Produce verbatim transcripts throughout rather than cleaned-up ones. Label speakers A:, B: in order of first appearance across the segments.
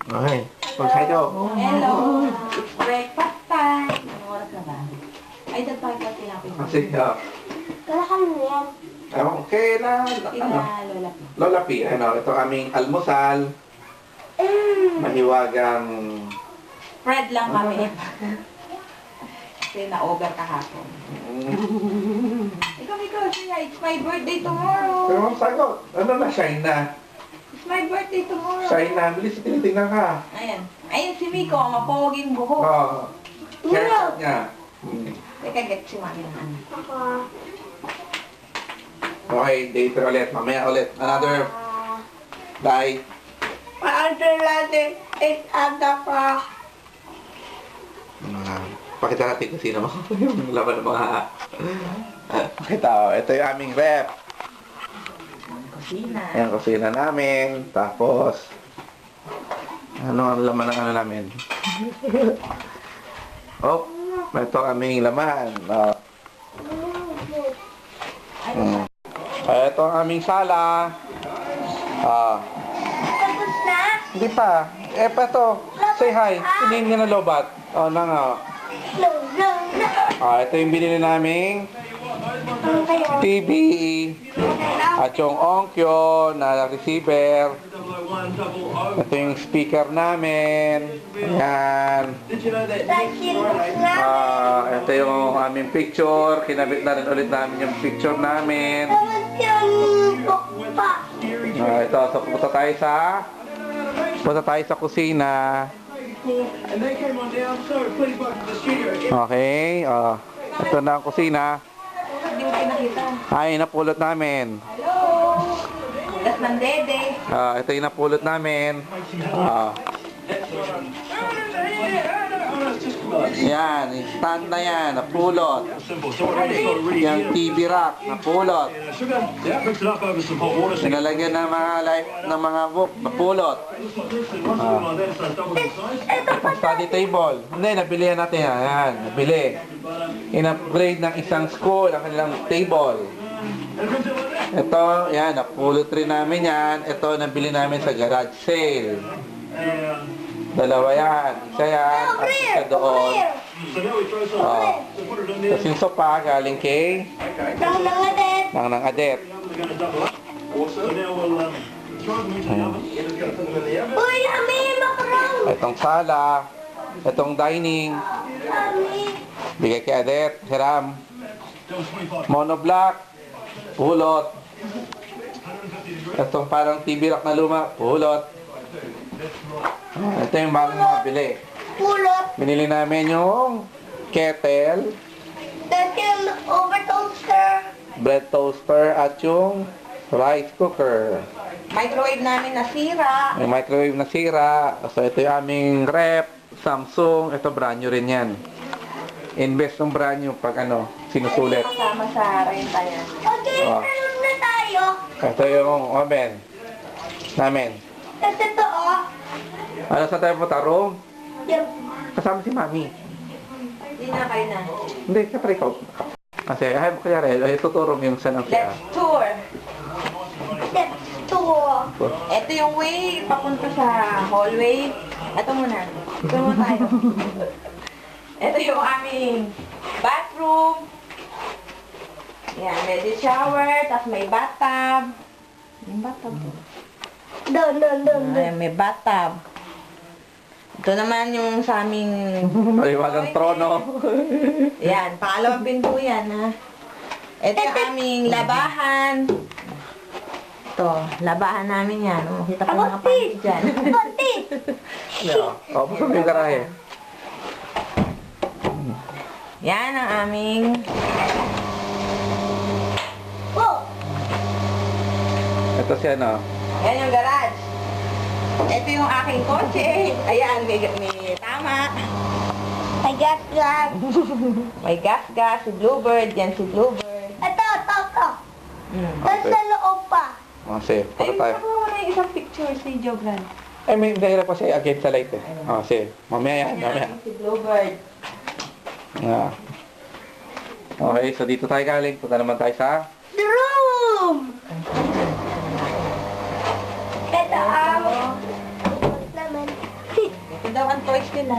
A: Okay. Mag-hi daw.
B: Hello. It's breakfast time. Anong oras na ba? Ay, dad tayo pati natin.
A: Kasi, ah,
C: Wala ka na yan.
A: okay na, ano,
B: Sila Lola P.
A: Lola P, ano, ito aming almusal,
C: Mm.
A: mahiwagang,
B: Fred lang kami. Kasi na-over kahapon.
A: mm,
B: Ikaw, ikaw, siya. It's my birthday tomorrow.
A: pero ang sagot, ano na, shine na,
B: It's my birthday tomorrow.
A: shine na, bilis, tinitingnan ka.
B: Ayan. Ayun si Miko, mapoging buhok.
A: Oh, haircut niya. Mm.
B: Teka, get si Mami ng ano.
C: Ako.
A: Okay, later ulit, mamaya ulit, another,
C: Ah.
A: bye.
C: Maandun natin. It's ada pa.
A: Mga, pakita natin kung sino yung laman ng mga, pakita ko, ito yung aming rep.
B: Kusina.
A: Ayan, kusina namin. Tapos, ano ang laman ng ano namin? Oh, ito aming laman. Oh. Mm. Ito ang aming sala. Ah,
C: Tapos na?
A: hindi pa. Eh, pa ito. Say hi. Hindi nga na lobat. Oh, na nga.
C: No, no, no.
A: Ah, ito yung binili naming
C: Ano kayo?
A: T V. At yung Onkyo na receiver. Ito yung speaker namin. Ayan.
C: Dahil na.
A: Ah, ito yung aming picture. Kinabit na rin ulit namin yung picture namin.
C: Tapos yung bukpa.
A: Ah, ito, so punta tayo sa punta tayo sa kusina. Okay, ah, ito na ang kusina.
B: Hindi mo pinakita.
A: Ay, napulot namin.
B: Hello. Ulas ng dede.
A: Ah, ito yung napulot namin. Ah. Yan, yung stand na yan, napulot. Yung T V rack, napulot. Sinalagyan ng mga life ng mga book, napulot. Ah. Ang study table. Hindi, nabili yan natin yan. Yan, nabili. In-upgrade ng isang school ang kanilang table. Ito, yan, napulot rin namin yan. Ito, nabili namin sa garage sale. Dalawa yan. Isa yan, at isa doon. Oh. Tapos yung sopa, galing kay
C: Nang nangadet.
A: nang nang adet.
C: Uy, Ami, makarang.
A: Itong sala, itong dining,
C: Ami.
A: bigay kay adet, hiram. Monoblock, pulot. Itong parang T V rack na luma, pulot. Ito yung bagong nabili.
C: Pulot.
A: Binili namin yung kettle,
C: Tapos yung over toaster.
A: bread toaster, at yung rice cooker.
B: Microwave namin nasira.
A: May microwave na sira. So ito yung aming rep, Samsung. Ito brand new rin yan. Invest ng brand new pag ano, sinusulit.
B: Kasama sa renta yan.
C: Okay,
A: Ah.
C: meron na tayo.
A: Ito yung oven namin.
C: Tapos ito, oh.
A: Ano sa tayo punta? Room?
C: Yung
A: Kasama si Mami.
B: Hindi na kayo na.
A: Hindi, kapre ikaw. Kasi, ay, kaya rin, ay, tuturo mo yung saan ang siya.
B: Let's tour.
C: step two.
B: Ito yung way papunta sa hallway. Ito muna. Ito muna tayo. Ito yung aming bathroom. Yan, ready shower. Tapos may bathtub. Yung bathtub to.
C: Doon, doon, doon, doon.
B: Ayan, may bathtub. Ito naman yung sa aming...
A: Maliwagang trono.
B: Yan, pangalawang pinto yan, ha. Ito yung aming labahan. Ito, labahan namin yan. Oh, kita ko mga panty dyan.
C: Pati.
A: Oo, gusto mo yung garahe.
B: Yan ang aming...
C: Oh,
A: Ito siya, no?
B: Yan yung garage. Ito yung aking kotse. Ayan, may, may tama.
C: I got that.
B: May gas-gas, si Bluebird. Yan si Bluebird.
C: Ito, ito, ito.
B: Mm.
C: Tapos sa loob pa.
A: Kasi,
B: Ay,
A: para tayo.
B: nakuha na yung isang picture si Joglan.
A: Ay, may dahil pa siya against sa light eh. Ah, sige. Mamaya yan, mamaya.
B: Si Bluebird.
A: Ah. Okay, so dito tayo galing. Punta naman tayo sa...
C: The room. Ito ang naman.
B: daw ang toys nila.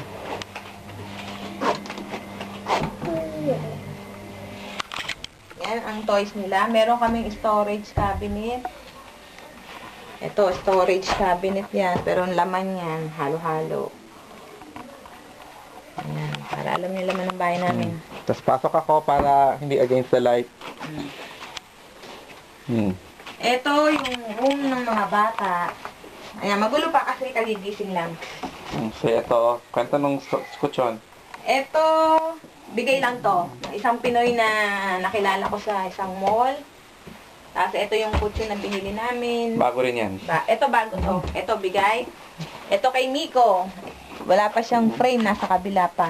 B: Yan ang toys nila. Meron kaming storage cabinet. Ito, storage cabinet yan. Pero ang laman yan, halo-halo. Ayan, para alam niyo laman ng bahay namin.
A: Tapos pasok ako para hindi against the light. Hmm.
B: Ito yung room ng mga bata. Ayan, magulo pa kasi kagigising lang.
A: Hmm. So ito, kwento nung skutsyon.
B: Ito, bigay lang to. Isang Pinoy na nakilala ko sa isang mall. Tapos ito yung kutsi na binili namin.
A: Bago rin yan.
B: Ba ito bago to. Ito bigay. Ito kay Miko. Wala pa siyang frame, nasa kabila pa.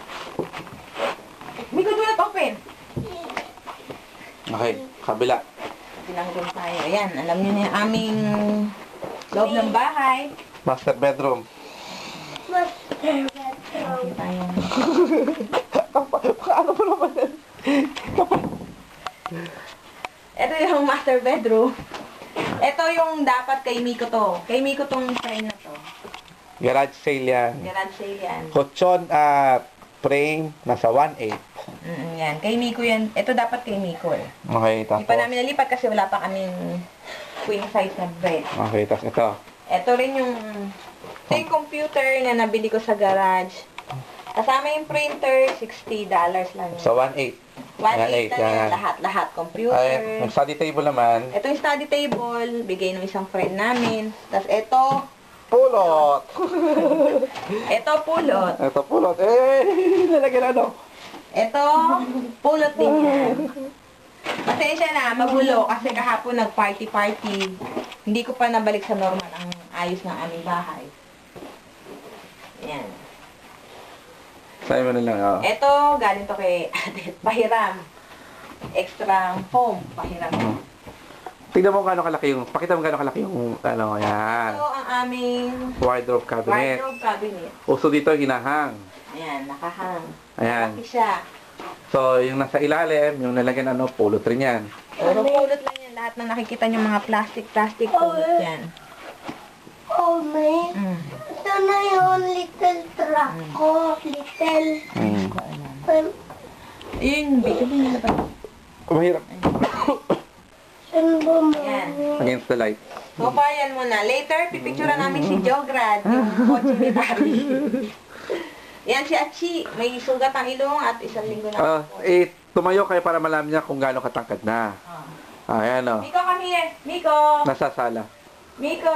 B: Miko, do not open!
A: Okay, kabila.
B: Tinanggol tayo. Ayan, alam niyo na yung aming loob ng bahay.
A: Master bedroom.
C: Master
B: Ayan tayo.
A: Ano ba naman yan?
B: Ito yung master bedroom. Ito yung dapat kay Miko to. Kay Miko tong frame na to.
A: Garage sale yan.
B: Garage sale yan.
A: Kutsyon at frame, nasa one eight.
B: Mm, yan. Kay Miko yan. Ito dapat kay Miko eh.
A: Okay,
B: Hindi
A: tapos.
B: pa namin nalipat kasi wala pa kaming queen size na bed.
A: Okay, tapos ito.
B: Ito rin yung ito yung computer na nabili ko sa garage. Kasama yung printer, sixty dollars lang yun.
A: So one eight.
B: one eight lang yan.
A: yan.
B: Lahat-lahat. Computer.
A: Ay, yung study table naman.
B: Ito yung study table. Bigay ng isang friend namin. Tapos ito,
A: Pulot!
B: ito pulot.
A: Ito pulot. Eh, lalagyan ano?
B: Ito, pulot din yan. Pasensya na, magulo. Kasi kahapon nag-party-party. Hindi ko pa nabalik sa normal ang ayos ng aming bahay. Yan.
A: Sa'yo mo na lang, oh.
B: Ito, galing to kay Adet. Pahiram. Extra foam. Pahiram.
A: Tignan mo kung gaano kalaki yung, pakita mo gaano kalaki yung, ano, yan.
B: Ito ang aming
A: Wardrobe cabinet.
B: wardrobe cabinet.
A: Uso dito, hinahang.
B: Ayan, nakahang.
A: Ayan.
B: Malaki siya.
A: So, yung nasa ilalim, yung nalagyan ano, pulot rin yan.
B: Puro pulot lang yan. Lahat na nakikita nyo mga plastic-plastic pulot yan.
C: Oh, man.
B: Mm.
C: Ito na yung little truck ko. Little.
A: Hmm.
C: Um,
B: Ayun, bigyan mo nila ba?
A: Mahirap.
C: saan ba mo?
B: Yan.
A: Against the light.
B: So, yan muna. Later, pipicturean namin si Jograd, yung kotse ni Dari. Yan si Achi. May sugat ang ilong at isang linggo na.
A: Ah, eh, tumayo kayo para malaman niya kung gaano katangkad na.
B: Ah.
A: Ayan, oh.
B: Miko, kami eh. Miko!
A: Nasa sala.
B: Miko!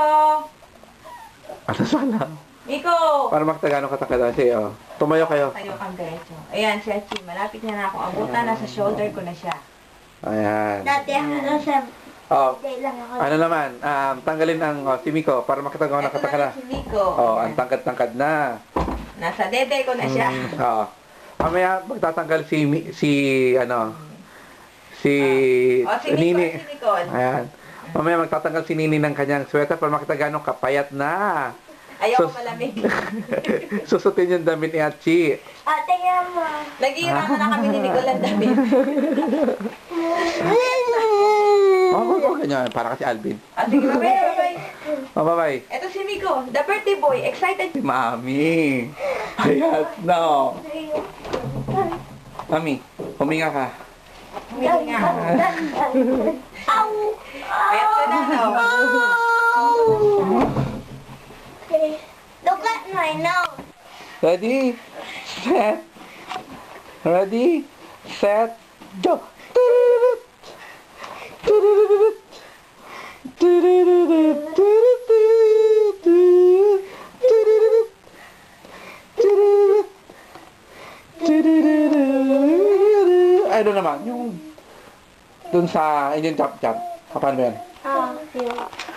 A: Ah, nasa sala.
B: Miko!
A: Para makita gaano katangkad na siya, oh. Tumayo kayo.
B: Tayo kang diretso. Ayan, si Achi. Malapit na na ako abutan. Nasa shoulder ko na siya.
A: Ayan.
C: Dati ako sa...
A: Oh,
C: Dati lang ako.
A: ano naman, um, tanggalin ang oh, si Miko para makita gaano
B: Ito
A: katangkad na.
B: na si Miko.
A: Oh, ang tangkad-tangkad na.
B: Nasa dede ko na siya.
A: Mm, Oo. Mamaya magtatanggal si Mi- si ano si
B: O, si Miko,
A: Nini.
B: si Nicole.
A: Ayan. Mamaya magtatanggal si Nini ng kanyang sweater para makita gaano kapayat na.
B: Ayoko
A: Sus-
B: malamig.
A: Susutin yung damit ni Achi.
C: Ate nga mo.
B: Nag-iirama na kami ni Nicole ang damit.
A: Oh, oh, oh, ganyan. Para kasi Alvin.
B: Ah, sige, bye bye.
A: Oh, bye-bye.
B: Ito si Miko, the birthday boy. Excited.
A: Si Mami. Ayan, no. Mami, huminga ka.
B: Humingi nga.
C: Ow!
B: Ayat ka na, no?
C: Okay. Look at my nose.
A: Ready, set, ready, set, go. Ano naman, yung dun sa Indian chop chop. Paano yan?
C: Ah, yung